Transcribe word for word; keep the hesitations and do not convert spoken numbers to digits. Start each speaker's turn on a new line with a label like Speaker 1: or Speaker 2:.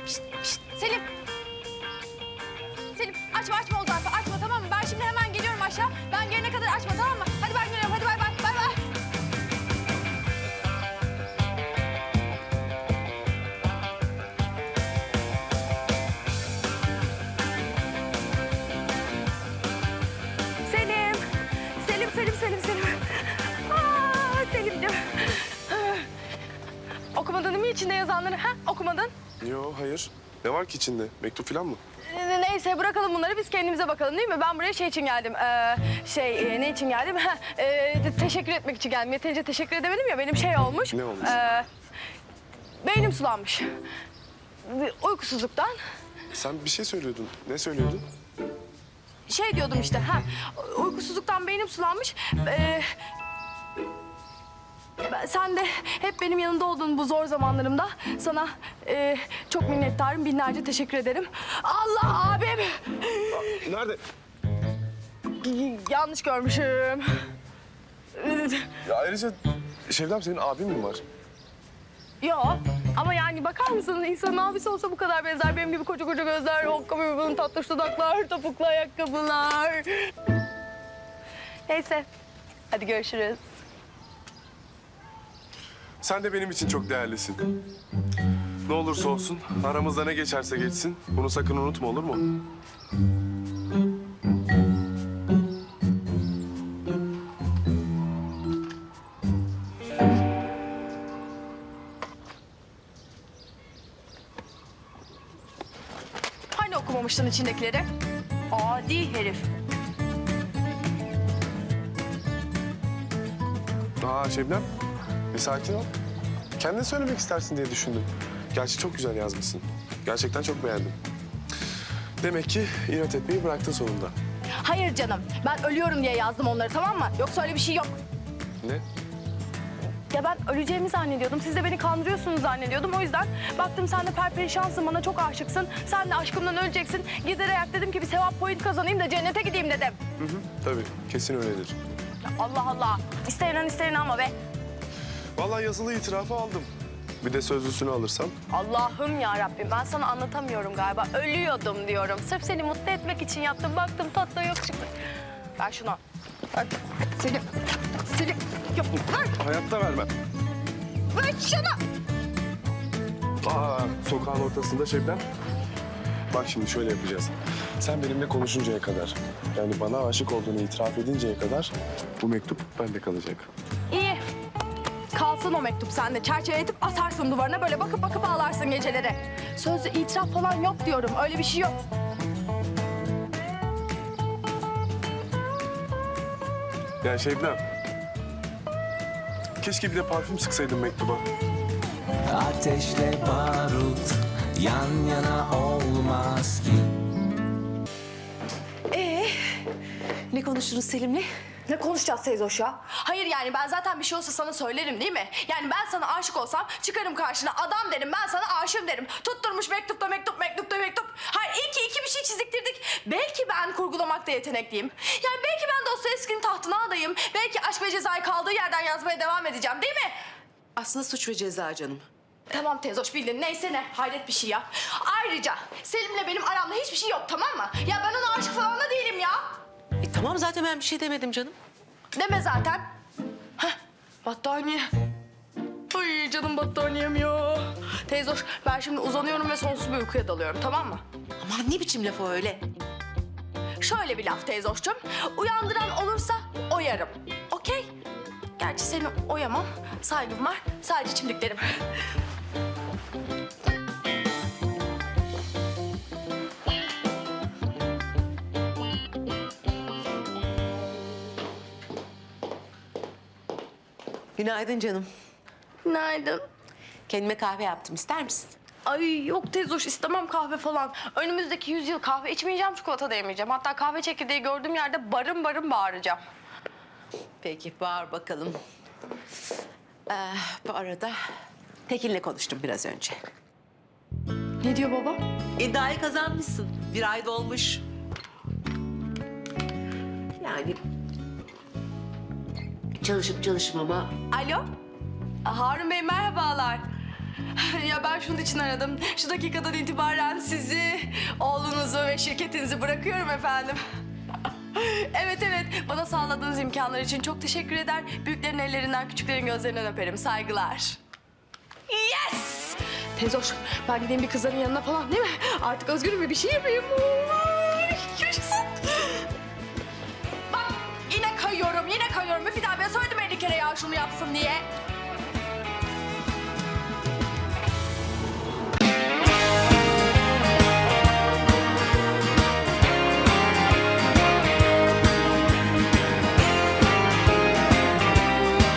Speaker 1: Pişt, pişt. Selim. Selim açma açma o zarfı açma tamam mı? Ben şimdi hemen geliyorum aşağı. Ben gelene kadar açma tamam mı? Hadi ben geliyorum hadi bay bay bay bay. Selim. Selim Selim Selim Selim. Aa, Selim'ciğim. Okumadın değil mi içinde yazanları? Ha? Okumadın.
Speaker 2: Yo, hayır. Ne var ki içinde? Mektup falan mı?
Speaker 1: Ee, Neyse bırakalım bunları biz kendimize bakalım değil mi? Ben buraya şey için geldim. Ee, şey e, ne için geldim? Ha, e, te- teşekkür etmek için geldim. Yeterince teşekkür edemedim ya benim şey olmuş.
Speaker 2: Ne olmuş?
Speaker 1: Ee, beynim sulanmış. Uykusuzluktan.
Speaker 2: Sen bir şey söylüyordun. Ne söylüyordun?
Speaker 1: Şey diyordum işte. Ha, uykusuzluktan beynim sulanmış. Ee, ben- sen de hep benim yanında olduğun bu zor zamanlarımda sana e, çok minnettarım. Binlerce teşekkür ederim. Allah abim.
Speaker 2: Nerede?
Speaker 1: Y- Yanlış görmüşüm.
Speaker 2: Ya ayrıca Şevdem senin abin mi var?
Speaker 1: Yo ama yani bakar mısın insanın abisi olsa bu kadar benzer. Benim gibi koca koca gözler, okka burun, tatlış dudaklar, topuklu ayakkabılar. Neyse hadi görüşürüz.
Speaker 2: Sen de benim için çok değerlisin. Ne olursa olsun, aramızda ne geçerse geçsin. Bunu sakın unutma, olur mu?
Speaker 1: Hani okumamıştın içindekileri? Adi herif.
Speaker 2: Aa Şebnem, bir sakin ol. Kendin söylemek istersin diye düşündüm. Gerçi çok güzel yazmışsın. Gerçekten çok beğendim. Demek ki inat etmeyi bıraktın sonunda.
Speaker 1: Hayır canım ben ölüyorum diye yazdım onları tamam mı? Yoksa öyle bir şey yok.
Speaker 2: Ne?
Speaker 1: Ya ben öleceğimi zannediyordum. Siz de beni kandırıyorsunuz zannediyordum. O yüzden baktım sen de perperişansın, bana çok aşıksın. Sen de aşkımdan öleceksin. Giderek dedim ki bir sevap point kazanayım da cennete gideyim dedim.
Speaker 2: Hı hı, tabii. Kesin öyledir.
Speaker 1: Ya Allah Allah. İster inan ister inanma be.
Speaker 2: Vallahi yazılı itirafı aldım. Bir de sözlüsünü alırsam.
Speaker 1: Allah'ım ya Rabbim ben sana anlatamıyorum galiba. Ölüyordum diyorum. Sırf seni mutlu etmek için yaptım. Baktım tatlı yok çıktı. Ver şunu. Ver. Selim. Selim. Yok. Ver.
Speaker 2: Hayatta vermem.
Speaker 1: Ver şunu.
Speaker 2: Aa, sokağın ortasında Şebnem. Bak şimdi şöyle yapacağız. Sen benimle konuşuncaya kadar, yani bana aşık olduğunu itiraf edinceye kadar bu mektup bende kalacak.
Speaker 1: İyi. Kalsın o mektup sende. Çerçeveletip asarsın duvarına. Böyle bakıp bakıp ağlarsın geceleri. Sözlü itiraf falan yok diyorum. Öyle bir şey yok.
Speaker 2: Yani Şebnem, keşke bir de parfüm sıksaydın mektuba.
Speaker 3: Ateşle barut yan yana olmaz ki.
Speaker 4: Ee, ne konuştunuz Selim'le?
Speaker 1: Ne konuşacağız Seyzoş ya? Hayır yani ben zaten bir şey olsa sana söylerim değil mi? Yani ben sana aşık olsam çıkarım karşına adam derim ben sana aşığım derim. Tutturmuş mektupta mektup mektupta mektup. Hayır iyi ki iki bir şey çiziktirdik. Belki ben kurgulamakta yetenekliyim. Yani belki ben Dostoyevski'nin tahtına adayım. Belki Aşk ve Ceza'yı kaldığı yerden yazmaya devam edeceğim değil mi?
Speaker 4: Aslında Suç ve Ceza canım.
Speaker 1: Tamam teyzoş bildin neyse ne hayret bir şey ya. Ayrıca Selim'le benim aramda hiçbir şey yok tamam mı? Ya ben ona aşık falan da değilim ya.
Speaker 4: E tamam zaten ben bir şey demedim canım.
Speaker 1: Deme zaten. Heh, battaniye. Ay canım battaniyem ya. Teyzoş ben şimdi uzanıyorum ve sonsuz bir uykuya dalıyorum tamam mı?
Speaker 4: Aman ne biçim laf o öyle?
Speaker 1: Şöyle bir laf teyzoşcum. Uyandıran olursa oyarım. Okey? Gerçi seni oyamam. Saygım var. Sadece çimdiklerim.
Speaker 4: Günaydın canım.
Speaker 1: Günaydın.
Speaker 4: Kendime kahve yaptım ister misin?
Speaker 1: Ay yok teyzoş istemem kahve falan. Önümüzdeki yüzyıl kahve içmeyeceğim, çikolata da yemeyeceğim. Hatta kahve çekirdeği gördüğüm yerde barın barın bağıracağım.
Speaker 4: Peki bağır bakalım. Ee, bu arada Tekin'le konuştum biraz önce.
Speaker 1: Ne diyor baba?
Speaker 4: İddiayı kazanmışsın. Bir ay dolmuş. Yani çalışıp çalışmama.
Speaker 1: Alo? Harun Bey merhabalar. Ya ben şunun için aradım. Şu dakikadan itibaren sizi, oğlunuzu ve şirketinizi bırakıyorum efendim. Evet evet, bana sağladığınız imkanlar için çok teşekkür eder. Büyüklerin ellerinden, küçüklerin gözlerinden öperim. Saygılar. Yes! Teyze hoş, ben gideyim bir kızların yanına falan değil mi? Artık özgürüm ve bir şey yapayım. Ay, yaşasın. Bak yine kayıyorum, yine kayıyorum. Müfit abiye söyledim elli kere ya şunu yapsın diye.